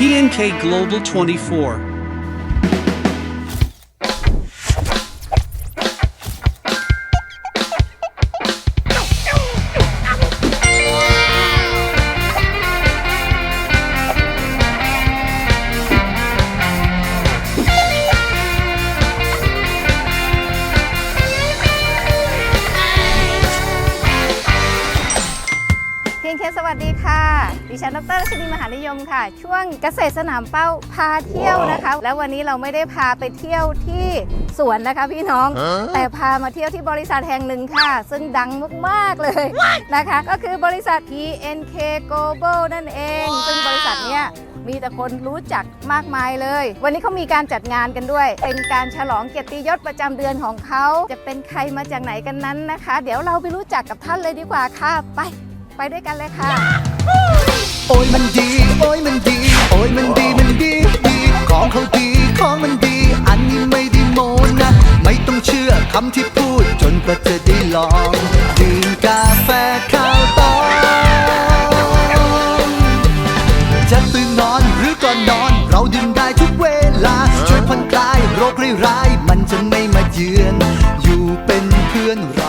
PNK Global 24. PNK สวัสดีค่ะดิฉันดร.รัชนีมหานิยมค่ะช่วงเกษตรสนามเป้าพาเที่ยวนะคะแล้ววันนี้เราไม่ได้พาไปเที่ยวที่สวนนะคะพี่น้องแต่พามาเที่ยวที่บริษัทแห่งหนึ่งค่ะซึ่งดังมากๆเลยนะคะก็คือบริษัท PNK Global นั่นเองซึ่งบริษัทเนี้ยมีแต่คนรู้จักมากมายเลยวันนี้เขามีการจัดงานกันด้วยเป็นการฉลองเกียรติยศประจำเดือนของเขาจะเป็นใครมาจากไหนกันนั้นนะคะเดี๋ยวเราไปรู้จักกับท่านเลยดีกว่าค่ะไปด้วยกันเลยค่ะโอ้ยมันดีโอ้ยมันดีโอ้ยมันดีมันดีดีของเขาดีของมันดีอันนี้ไม่ได้โมนะไม่ต้องเชื่อคำที่พูดจนกว่าจะได้ลองดื่มกาแฟข้าวตองจะตื่นนอนหรือก่อนนอนเราดื่มได้ทุกเวลาช่วยผ่อนคลายโรคร้ายๆมันจะไม่มาเยือนอยู่เป็นเพื่อนเรา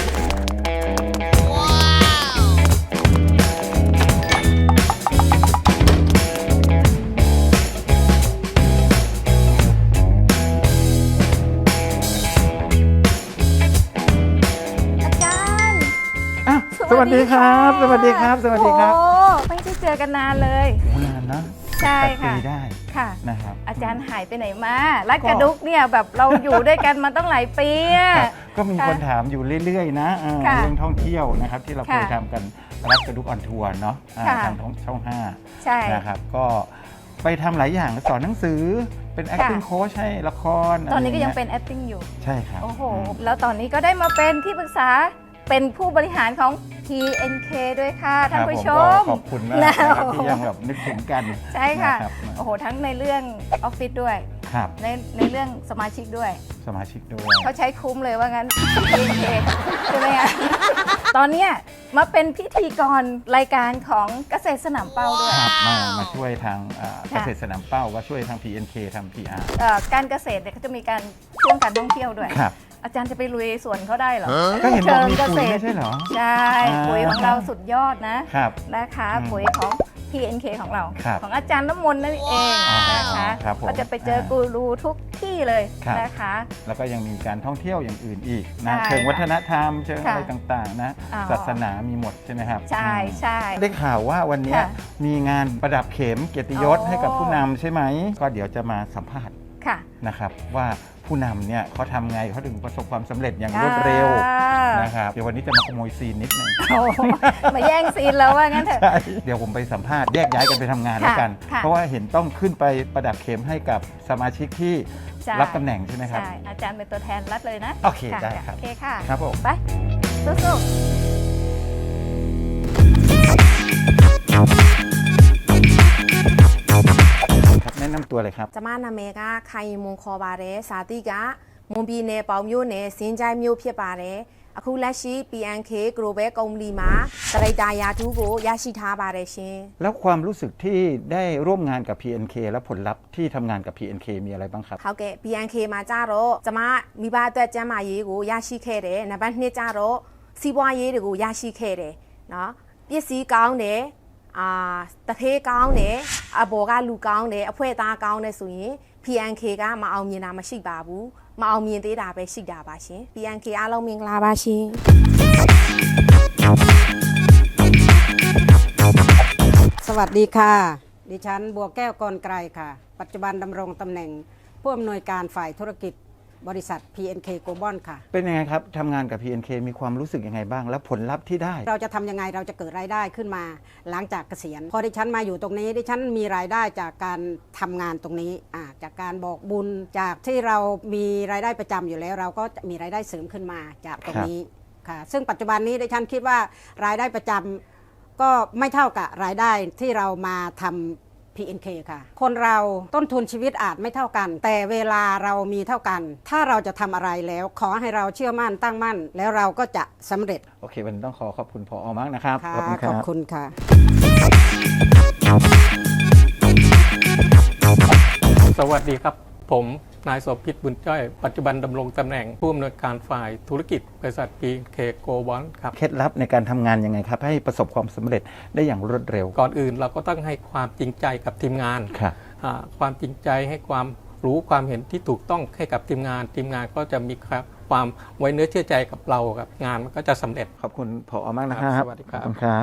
สวัสดีครับสวัสดีครับสวัสดีครับโอ้ไม่ได้เจอกันนานเลยนานนะใช่ 8 ปีได้ค่ะนะครับอาจารย์หายไปไหนมารัดกระดุกเนี่ยแบบเราอยู่ด้วยกันมาตั้งหลายปีก็มีคนถามอยู่เรื่อยๆนะเรื่องท่องเที่ยวนะครับที่เราเคยทำกันรัดกระดุกออนทัวร์เนาะทางช่อง5 ใช่นะครับก็ไปทำหลายอย่างสอนหนังสือเป็น acting coach ให้ละครตอนนี้ก็ยังเป็น acting อยู่ใช่ครับโอ้โหแล้วตอนนี้ก็ได้มาเป็นที่ปรึกษาเป็นผู้บริหารของ PNK ด้วยค่ะท่านผู้ชมขอบคุณมากที่ยังแบบนึกถึงกันใช่ค่ะโอ้โหทั้งในเรื่องออฟฟิศด้วยในเรื่องสมาชิกด้วยเขาใช้คุ้มเลยว่างั้น PNK ใช่ไหมคะตอนนี้มาเป็นพิธีกรรายการของเกษตรสนามเป้าด้วยมาช่วยทางเกษตรสนามเป้าก็ช่วยทาง PNK ทำ PR การเกษตรเนี่ยเขาจะมีการช่วงการท่องเที่ยวด้วยอาจารย์จะไปลุยสวนเขาได้เหรอก็เห็นบอกมีปุ๋ยไม่ใช่เหรอใช่ปุ๋ยของเราสุดยอดนะนะคะปุ๋ยของ PNK ของเราของอาจารย์น้ำมนต์นั่นเองนะคะก็จะไปเจอกูรูทุกที่เลยนะคะแล้วก็ยังมีการท่องเที่ยวอย่างอื่นอีกนะเชิงวัฒนธรรมเชิงอะไรต่างๆนะศาสนามีหมดใช่ไหมครับใช่ได้ข่าวว่าวันนี้มีงานประดับเข็มเกียรติยศให้กับผู้นำใช่ไหมก็เดี๋ยวจะมาสัมภาษณ์นะครับว่าผู้นำเนี่ยเขาทำไงเขาถึงประสบความสำเร็จอย่างรวดเร็วนะครับเดี๋ยววันนี้จะมาขโมยซีนนิดนึงมาแย่งซีนแล้วว่างั้นเถอะเดี๋ยวผมไปสัมภาษณ์แยกย้ายกันไปทำงานแล้วกันเพราะว่าเห็นต้องขึ้นไปประดับเข็มให้กับสมาชิกที่รับตำแหน่งใช่ไหมครับใช่อาจารย์เป็นตัวแทนรัฐเลยนะโอเคได้ครับโอเคค่ะครับผมไปสู้แนะนำตัวเลยครับจะมานาเมกาไคมงคอบาเรสาติกะมงบีเนเปาမျိုးเนสินใจမျိုးဖြစ်ပါတယ်အခုလက်ရှိ PNK Global ကုမ္ပဏီမှာတရိတာယာတူကိုရရှိထားပါတယ်ရှင်แล้วความรู้สึกที่ได้ร่วมงานกับ PNK และผลลัพธ์ที่ทำงานกับ PNK มีอะไรบ้างครับဟုတ်ကဲ့ PNK မှာကြတော့ကျမမိဘအတွက်ကျန်းမာရေးကိုရရှိခဲ့တယ်နံပါတ်2ကြတော့စီးပွားရေးတွေကိုရရှိခဲ့တယ်เนาะပစ္စည်းကောင်းတယ်တထေးကောင်းတယ်အဘော်ကလူကောင်းတယ်အဖွဲသားကောင်းတယ်ဆိုရင် PNK ကမအောင်မြင်တာမရှိပါဘူးမအောင်မြင်သေးတာပဲရှိတာပါရှင် PNK အားလုံးမင်္ဂလာပါရှင်สวัสดีค่ะดิฉันบัวแก้วกรไกรค่ะปัจจุบันดำรงตำแหน่งผู้อำนวยการฝ่ายธุรกิจบริษัท PNK Global ค่ะเป็นยังไงครับทำงานกับ PNK มีความรู้สึกยังไงบ้างและผลลัพธ์ที่ได้เราจะทำยังไงเราจะเกิดรายได้ขึ้นมาหลังจากเกษียณพอดิฉันมาอยู่ตรงนี้ดิฉันมีรายได้จากการทำงานตรงนี้จากการบอกบุญจากที่เรามีรายได้ประจำอยู่แล้วเราก็มีรายได้เสริมขึ้นมาจากตรงนี้ค่ะซึ่งปัจจุบันนี้ดิฉันคิดว่ารายได้ประจำก็ไม่เท่ากับรายได้ที่เรามาทำPNK ค่ะคนเราต้นทุนชีวิตอาจไม่เท่ากันแต่เวลาเรามีเท่ากันถ้าเราจะทำอะไรแล้วขอให้เราเชื่อมั่นตั้งมั่นแล้วเราก็จะสำเร็จโอเควันนี้ต้องขอบคุณผอ.มากนะครับขอบคุณค่ะวัสดีครับ ผมนายโสภิตบุญจ้อย ปัจจุบันดำรงตำแหน่งผู้อำนวยการฝ่ายธุรกิจบริษัท PNK Global ครับเคล็ดลับในการทำงานยังไงครับ ให้ประสบความสำเร็จได้อย่างรวดเร็วก่อนอื่นเราก็ต้องให้ความจริงใจกับทีมงานครับความจริงใจให้ความรู้ความเห็นที่ถูกต้องให้กับทีมงานก็จะมีความไว้เนื้อเชื่อใจกับเราครับงานมันก็จะสำเร็จขอบคุณผอมากนะครับสวัสดีครับขอบคุณครับ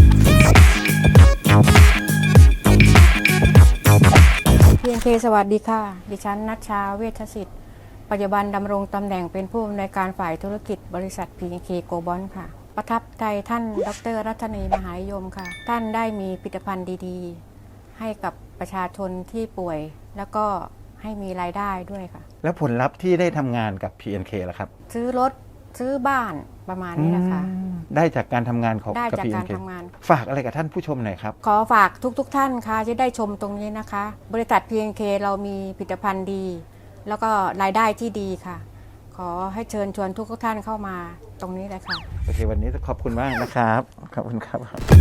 PNK สวัสดีค่ะ ดิฉันนัชชาเวชสิทธิ์ ปัจจุบันดำรงตำแหน่งเป็นผู้อำนวยการฝ่ายธุรกิจบริษัท PNK Global ค่ะ ประทับใจท่านดร.รัตนีมหานิยมค่ะ ท่านได้มีผลิตภัณฑ์ดีๆ ให้กับประชาชนที่ป่วย แล้วก็ให้มีรายได้ด้วยค่ะแล้วผลลัพธ์ที่ได้ทำงานกับ PNK ล่ะครับซื้อรถซื้อบ้านประมาณนี้นะคะได้จากการทำงานของได้กับจากการ PNK ทำงานฝากอะไรกับท่านผู้ชมหน่อยครับขอฝากทุกท่านค่ะที่ได้ชมตรงนี้นะคะ บริษัท PNK เรามีผลิตภัณฑ์ดี แล้วก็รายได้ที่ดีค่ะ ขอให้เชิญชวนทุกท่านเข้ามาตรงนี้เลยค่ะโอเค วันนี้ขอบคุณมากนะครับ ขอบคุณครับ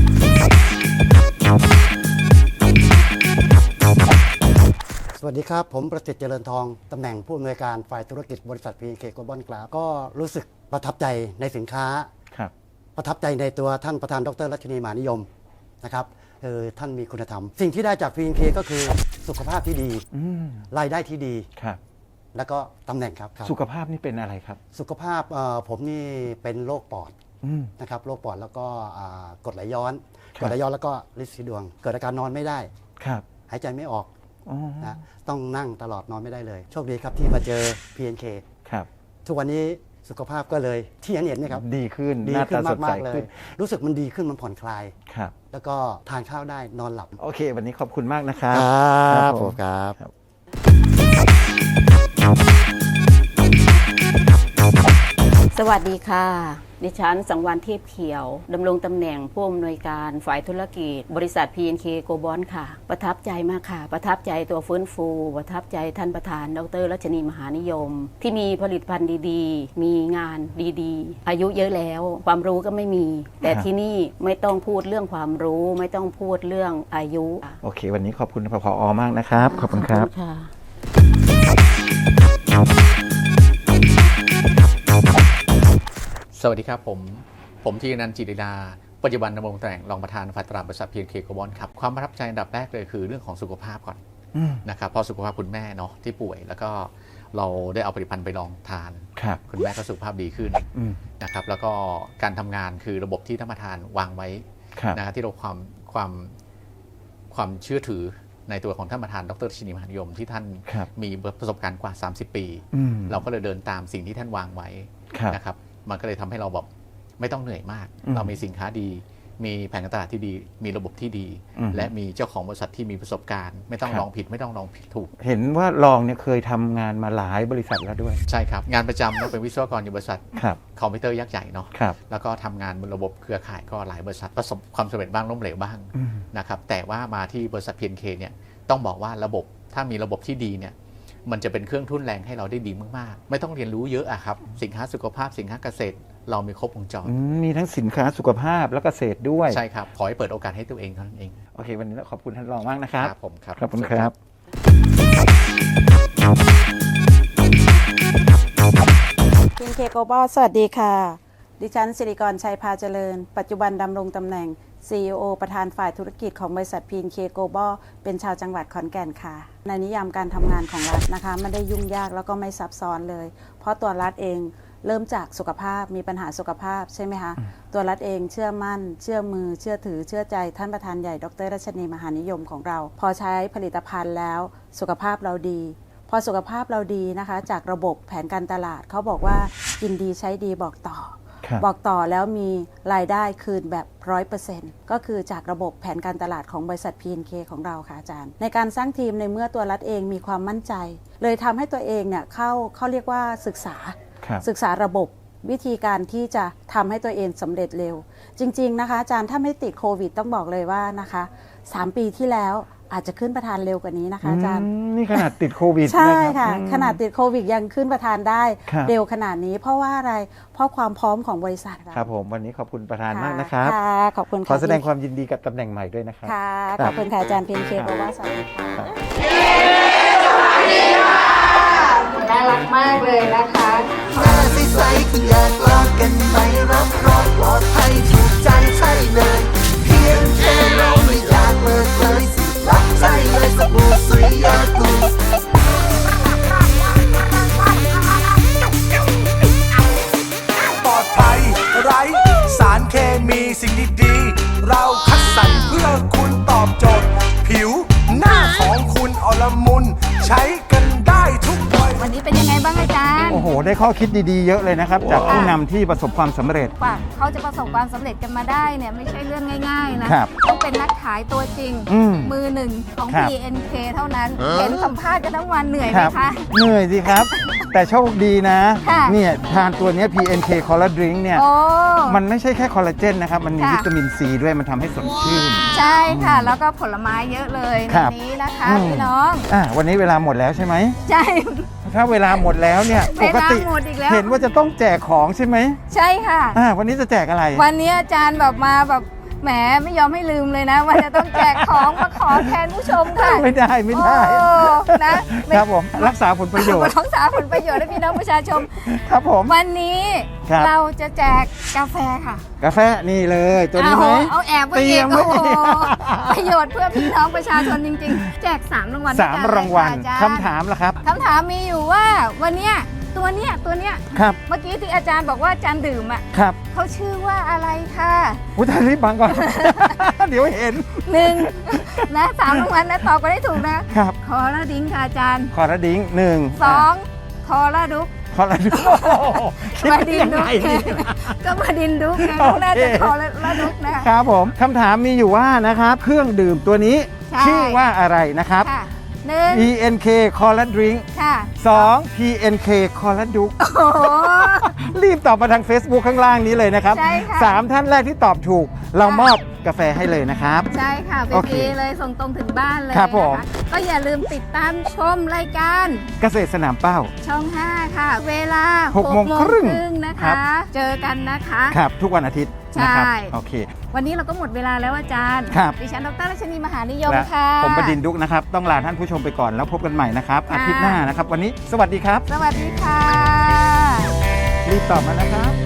สวัสดีครับ ผมประสิทธิ์เจริญทอง ตำแหน่งผู้อำนวยการฝ่ายธุรกิจบริษัท PNK Global ครับก็รู้สึกประทับใจในสินค้าครับประทับใจในตัวท่านประธานดร.รัชนีมหานิยมนะครับท่านมีคุณธรรม สิ่งที่ได้จาก PNK ก็คือสุขภาพที่ดี รายได้ที่ดีครับแล้วก็ตำแหน่งครับสุขภาพนี่เป็นอะไรครับสุขภาพผมนี่เป็นโรคปอดนะครับโรคปอดแล้วก็กรดไหลย้อนครับกรดไหลย้อนแล้วก็ลินสีดวง เกิดอาการนอนไม่ได้ครับหายใจไม่ออกอ๋อนะต้องนั่งตลอดนอนไม่ได้เลย โชคดีครับที่มาเจอ PNK ครับทุกวันนี้สุขภาพก็เลยที่เห็นเนี่ยครับดีขึ้นดีหน้าขึ้ตาน สดใสมากๆเลขึ้ยนรู้สึกมันดีขึ้นมันผ่อนคลายครับแล้วก็ทานข้าวได้นอนหลับโอเค วันนี้ขอบคุณมากนะครับครับผผม มครับสวัสดีค่ะ ดิฉันสังวรเทพเขียวดำรงตำแหน่งผู้อำนวยการฝ่ายธุรกิจบริษัท PNK Global ค่ะ ประทับใจมากค่ะ ประทับใจตัวฟื้นฟู ประทับใจท่านประธานดร.รัชนีมหานิยม ที่มีผลิตภัณฑ์ดีๆ มีงานดีๆ อายุเยอะแล้ว ความรู้ก็ไม่มี แต่ที่นี่ไม่ต้องพูดเรื่องความรู้ ไม่ต้องพูดเรื่องอายุโอเค วันนี้ขอบคุณผอมากนะครับ ขอบคุณครับค่ะสวัสดีครับผมธีรนันท์จิตติดาปัจจุบันดำรงตำแหน่งรองประธานฝ่ายตลาดบริษัท PNK Global ครับความประทับใจอันดับแรกเลยคือเรื่องของสุขภาพก่อนนะครับเพราะสุขภาพคุณแม่เนาะที่ป่วยแล้วก็เราได้เอาผลิตภัณฑ์ไปลองทานครับคุณแม่ก็สุขภาพดีขึ้นนะครับแล้วก็การทำงานคือระบบที่ท่านประธานวางไว้ครับนะครับที่เราความเชื่อถือในตัวของท่านประธานดร.ชินีมหานิยมที่ท่านครับมีประสบการณ์กว่า 30 ปี เราก็เลยเดินตามสิ่งที่ท่านวางไว้ครับนะครับมันก็เลยทำให้เราแบบไม่ต้องเหนื่อยมาก เรามีสินค้าดี มีแผนการตลาดที่ดี มีระบบที่ดี และมีเจ้าของบริษัทที่มีประสบการณ์ ไม่ต้องลองผิดไม่ต้องลองผิดถูกเห็นว่าลองเนี่ยเคยทำงานมาหลายบริษัทแล้วด้วยใช่ครับงานประจำเราเป็นวิศวกรอยู่บริษัทครับคอมพิวเตอร์ยักษ์ใหญ่เนาะครับแล้วก็ทำงานบนระบบเครือข่ายก็หลายบริษัทประสบความสำเร็จบ้างล้มเหลวบ้างนะครับแต่ว่ามาที่บริษัท PNK เนี่ยต้องบอกว่าระบบถ้ามีระบบที่ดีเนี่ยมันจะเป็นเครื่องทุ่นแรงให้เราได้ดีมากๆไม่ต้องเรียนรู้เยอะอะครับสินค้าสุขภาพสินค้าเกษตร เรามีครบวงจรมีทั้งสินค้าสุขภาพและเกษตรด้วยใช่ครับขอให้เปิดโอกาสให้ตัวเองเท่านั้นเองโอเค วันนี้ขอบคุณท่านรองมากนะครับครับผมครับขอบคุณครับ PNK Global สวัสดีค่ะ ดิฉันสิริกรชัยพาเจริญ ปัจจุบันดำรงตำแหน่ง CEO ประธานฝ่ายธุรกิจของบริษัท PNK Global เป็นชาวจังหวัดขอนแก่นค่ะ ในนิยามการทำงานของรัฐนะคะไม่ได้ยุ่งยากแล้วก็ไม่ซับซ้อนเลย เพราะตัวรัฐเองเริ่มจากสุขภาพมีปัญหาสุขภาพใช่ไหมคะ ตัวรัฐเองเชื่อมั่น เชื่อมือ เชื่อถือ เชื่อใจท่านประธานใหญ่ดร.รัชนีมหานิยมของเรา พอใช้ผลิตภัณฑ์แล้วสุขภาพเราดี พอสุขภาพเราดีนะคะจากระบบแผนการตลาดเขาบอกว่ากินดีใช้ดีบอกต่อ บอกต่อแล้วมีรายได้คืนแบบ 100% ก็คือจากระบบแผนการตลาดของบริษัท PNK ของเราค่ะอาจารย์ในการสร้างทีมในเมื่อตัวรัฐเองมีความมั่นใจ เลยทำให้ตัวเองเนี่ยเขาเรียกว่าศึกษาระบบวิธีการที่จะทำให้ตัวเองสำเร็จเร็วจริงๆนะคะอาจารย์ถ้าไม่ติดโควิดต้องบอกเลยว่านะคะ3 ปีที่แล้วอาจจะขึ้นประธานเร็วกว่านี้นะคะอาจารย์นี่ขนาดติดโควิดใช่นค่ะรับขนาดติดโควิดยังขึ้นประธานได้ครับเร็วขนาดนี้เพราะว่าอะไรเพราะความพร้อมของบริษัทเราครับผมวันนี้ขอบคุณประธานมากนะครับค่ะขอบคุณขอแสดงความยินดีกับตำแหน่งใหม่ด้วยนะครับค่ะขอบคุณค่ะอาจารย์เพนเคบอกว่าสวัสดีค่ะดีค่ะน่ารักมากเลยนะคะหน้าใสๆคุณอยากลองกันไหมรับรองปลอดภัยถูกใจใช่เลยเพียงแค่เราไม่อยากเลิกเลยสิรับใช่เลยสบู่สุริยากูปลอดภัยไร้สารเคมีสิ่งดีๆเราคัดสรรเพื่อคุณตอบโจทย์ผิวหน้าของคุณอลมุนใช้กันได้ทุกวัยวันนี้เป็นยังไงบ้างอาจารย์โอ้โห ได้ข้อคิดดีๆ เยอะเลยนะครับ จากผู้นำที่ประสบความสำเร็จกว่าเขาจะประสบความสำเร็จกันมาได้เนี่ยไม่ใช่เรื่องง่ายๆนะครับ ต้องเป็นนักขายตัวจริง มือหนึ่งของครับ PNK เท่านั้น เห็นสัมภาษณ์กันทั้งวันเหนื่อยไหมคะเหนื่อยสิครับ แต่โชคดีนะค่ะเนี่ยทานตัวเนี้ย PNK Collagen Drink เนี่ยโอ้มันไม่ใช่แค่คอลลาเจนนะครับ มันมีค่ะวิตามินซีด้วย มันทำให้สดชื่นใช่ค่ะ แล้วก็ผลไม้เยอะเลยคในรับนี้นะคะอืมพี่น้องวันนี้เวลาหมดแล้วใช่ไหมใช่ถ้าเวลาหมดแล้วเนี่ยเวปลากติหมดอีกแล้วเห็นว่าจะต้องแจกของใช่ไหมใช่ค่ะวันนี้จะแจกอะไรวันนี้อาจารย์แบบมาแบบแหมไม่ยอมให้ลืมเลยนะว่าจะต้องแจกของมาขอแทนผู้ชมค่ะไม่ได้โอ้นะครับผมรักษาผลประโยชน์รักษาผลประโยชน์ให้พี่น้องประชาชนครับผมวันนี้ครับเราจะแจกกาแฟค่ะกาแฟนี่เลยตัวนี้ไหมเอาแอบไว้เตรีอียกมไว้โอ้โหประโยชน์เพื่อพี่น้องประชาชนจริงๆ แจก3รางวัลสามรางวัลด้วยกันเลยคำค่ะอาจารย์ถามล่ะครับคำถามมีอยู่ว่าวันเนี้ยตัวเนี้ยครับเมื่อกี้ที่อาจารย์บอกว่าอาจารย์ดื่มอ่ะครับเขาชื่อว่าอะไรค่ะอุ้ยท่านรีบบังก่อน เดี๋ยวเห็น 1นะ3รางวัลนะตอบกันได้ถูกนะครับ คอลลาดิ้งค่ะอาจารย์คอร์ดิ้งหนึ่ง 2คอลลาดุกคอร์ดิ้งคิดมาได้ดินยังดุไงกเนี่ยก็มาดินดุกไงโอเคน่าจะคอลลาดุกนะคะครับผมคำถามมีอยู่ว่านะครับ เครื่องดื่มตัวนี้ใช่ชื่อว่าอะไรนะครับค่ะ1 PNK Collagen Drink ค่ะ 2 PNK Collagen โอ้โหรีบตอบมาทาง Facebook ข้างล่างนี้เลยนะครับใช่ค่ะ 3 ท่านแรกที่ตอบถูก เรามอบกาแฟให้เลยนะครับใช่ค่ะโอเคฟรีเลยส่งตรงถึงบ้านเลยครับผมนะคะก็อย่าลืมติดตามชมรายการเกษตรสนามเป้าช่อง 5 ค่ะ เวลา 6 โมงครึ่งนะครัคะบเจอกันนะคะครับ ทุกวันอาทิตย์นะครับใช่โอเควันนี้เราก็หมดเวลาแล้วอาจารย์ครับดิฉันดรรัชนีมหานิยมและค่ะผมประดินดุกนะครับ ต้องลาท่านผู้ชมไปก่อนแล้วพบกันใหม่นะครับค่ะอาทิตย์หน้านะครับ วันนี้สวัสดีครับสวัสดีค่ะรีบตอบมานะครับ